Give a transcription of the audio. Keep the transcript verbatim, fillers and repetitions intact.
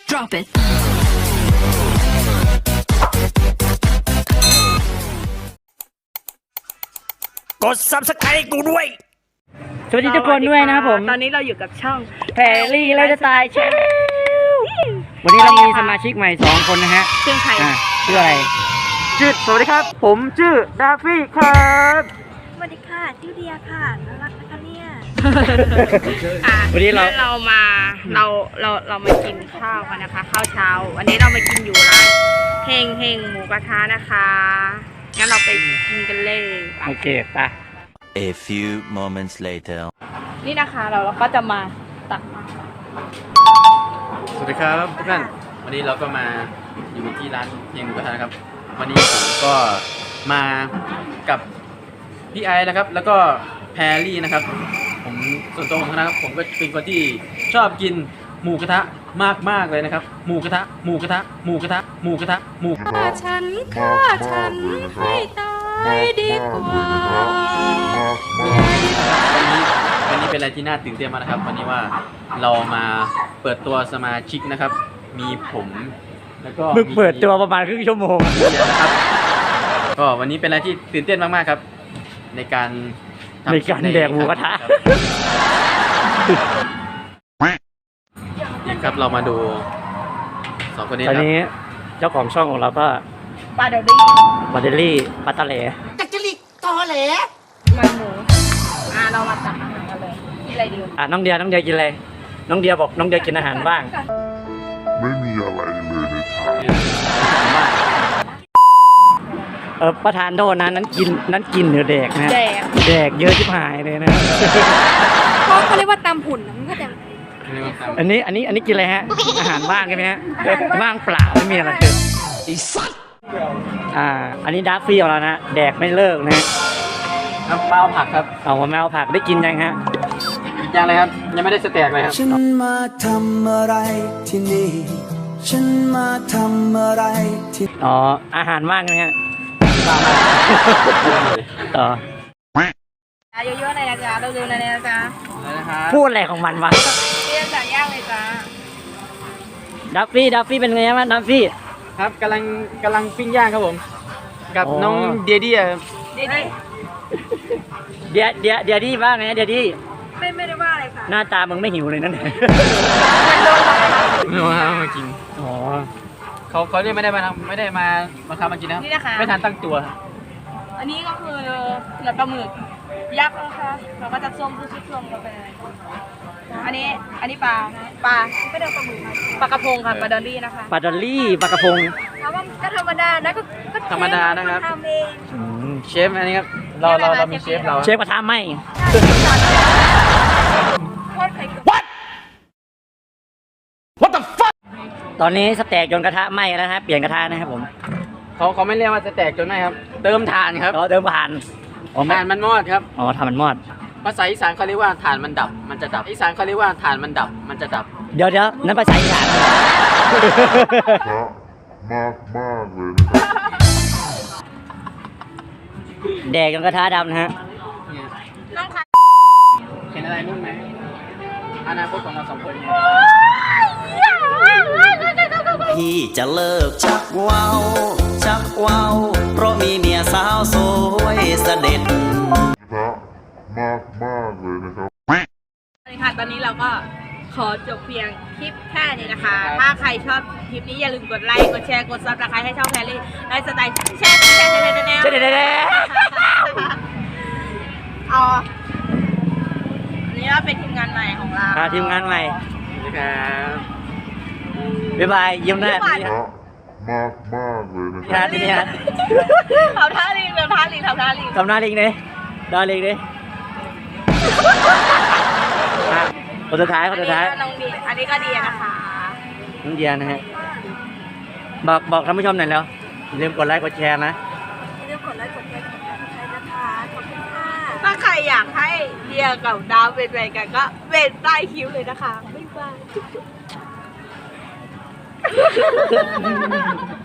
Drop it. กด ซับสไครบ์ กูด้วยสวัสดีทุกคนด้วยนะครับผมตอนนี้เราอยู่กับช่องแพรรี่ไลฟ์สไตล์แชนแนลวันนี้เรามีสมาชิกใหม่สองคนนะฮะชื่อใครอ่ะชื่ออะไรชื่อสวัสดีครับ ผมชื่อดาฟี่ครับสวัสดีค่ะชื่อเดียค่ะน่ารักนะคะเนี่ยอ่ะวันนี้เราเรามาเราเราเรามากินข้าวกันนะคะข้าวเช้าวันนี้เรามากินอยู่ร้านเฮงเฮงหมูกระทะนะคะงั้นเราไปกินกันเลยไปโอเคไป A few moments later. นี่นะคะเราเราก็จะมาตักสวัสดีครับทุกท่านวันนี้เราก็มาอยู่ที่ร้านเฮงหมูกระทะนะครับ วันนี้ผมก็มากับพี่ไอซ์นะครับ แล้วก็แพรรี่นะครับ ผมส่วนตัวผมนะครับผมก็เป็นคนที่ชอบกินหมูกระทะมากมากๆเลยนะครับหมูกระทะหมูกระทะหมูกระทะหมูกระทะหมูกระทะฆ่าฉันฆ่าฉันให้ตายดีกว่าวันนี้วันนี้เป็นอะไรที่น่าตื่นเต้นมากนะครับ วันนี้ว่าเรามาเปิดตัวสมาชิกนะครับ มีผมแล้วก็มึงเปิดตัวประมาณครึ่งชั่วโมงนะครับก็วันนี้เป็นอะไรที่ตื่นเต้นมากๆครับ ในการทำในการแดกหมูกระทะนี่ครับเรามาดูสองคนนี้ตอนครับนี้เจ้าของช่องของเราก็ปลาเดอรี่บาเดลลี่ปัตตาเหลมันหมูอ่ะเรามาตักอาหารกันเลยกินอะไรดีอ่ะน้องเดียน้องเดียกินอะไรน้องเดียบอกน้องเดียกินอาหารบ้างไม่มีอะไรเลยในทางเออประธานโทษนะนั้นกินนั้นกินหรือแดกนะแดกแดกเยอะชิบหายเลยนะเขาเขาเรียกว่าตำหุ่นนะมันก็แต่อันนี้อันนี้อันนี้กินอะไรฮะ อาหารว่างใช่ไหมฮะว่างเปล่าไม่มีอะไรเลยอ่า อันนี้ดัฟฟี่ของเรานะแดกไม่เลิกนะน้ำเปล่าผักครับเอามาแมวผักได้กินยังฮะยังเลยครับยังไม่ได้สแต็กเลยครับฉันมาทำอะไรที่นี่ ฉันมาทำอะไรที่อ๋ออาหารว่างใช่ไหมฮะต่อเยอะๆเลยนะจ๊ะเร็วๆเลยนะจ๊ะพูดอะไรของมันวะเรียกจากย่างเลยจ้าดัฟฟี่ดัฟฟี่เป็นไงบ้างดัฟฟี่ครับกำลังกำลังปิ้งย่างครับผม กับอ๋อน้องเดียดี้ดีดีเดียเดียเดียดี้บ้างไงเดียดี้ไม่ไม่ได้ว่าอะไรค่ะหน้าตามึงไม่หิวเลยนั่นไม่ว่ามากินอ๋อเขาเขาเนี่ยไม่ได้มาทำไม่ได้มามาทำมากินนะครับนี่นะคะไม่ทันตั้งตัวครับอันนี้ก็คือเนื้อปลาหมึกยักษ์นะคะเราก็จะส้มซุปส้มลงไปเลยอันนี้อันนี้ปลาปลาไม่ได้ปลาหมึกปลากระพงค่ะปลาดอลลี่นะคะปลาดอลลี่ปลากระพงถามว่าก็ธรรมดานะก็ก็ธรรมดานะครับทำเองอืมเชฟอันนี้ครับเราเราเรามีเชฟเราเชฟกระทะไหมโคตรไข่ตอนนี้สแต็กจนกระทะไหม้แล้วนะฮะเปลี่ยนกระทะนะครับผมเขาเขาไม่เรียกว่าจะแตกจนไหมครับ เติมถ่านครับเราเดินผ่านอ๋อไม่ถ่านมันมอดครับอ๋อทำมันมอดภาษาอีสานเขาเรียกว่าถ่านมันดับ มันจะดับอีสานเขาเรียกว่าถ่านมันดับ มันจะดับเดี๋ยวเดี๋ยวนั่นภาษาอีสานพระมากมากๆเลยนะครับแดกจนกระทะดำนะฮะเนี่ยน้องค่ะเห็นอะไรนู่นไหมอนาคตของเราสองคนเนี่ยพี่จะเลิกชักว้าวชักว้าวเพราะมีเมียสาวสวยเสด็จพระมากมากๆเลยนะครับสวัสดีค่ะตอนนี้เราก็ขอจบเพียงคลิปแค่นี้นะคะ ถ้าใครชอบคลิปนี้อย่าลืมกดไลค์กดแชร์กดซับสไครต์ให้ช่องแพรรี่ไลฟ์สไตล์แชร์แชร์แชร์แชร์แชร์แชร์เจ๊เด็ดเอาอันนี้ก็เป็นทีมงานใหม่ของเราพาทีมงานใหม่นะครับบ๊ายบายยิ้มหน้าพระมากมากๆเลยนะคพี่รับฮัทพี่ฮัททำท่าลิงทำท่าลิงทำท่าลิงทำหน้าลิงดิดอลิงดิอ่ะคนสุดท้ายคนสุดท้ายอันนี้ก็น้องดีอันนี้ก็ดีนะคะน้องเดียนะฮะบอกบอกท่านผู้ชมหน่อยแล้วอย่าลืมกดไลค์กดแชร์นะเรื่องกดไลค์กดแชร์กดติดตามใครนะคะขอบคุณค่ะถ้าใครอยากให้เดียกับดาวเป็นแฟนกันก็เป็นใต้คิ้วเลยนะคะบ๊ายบาย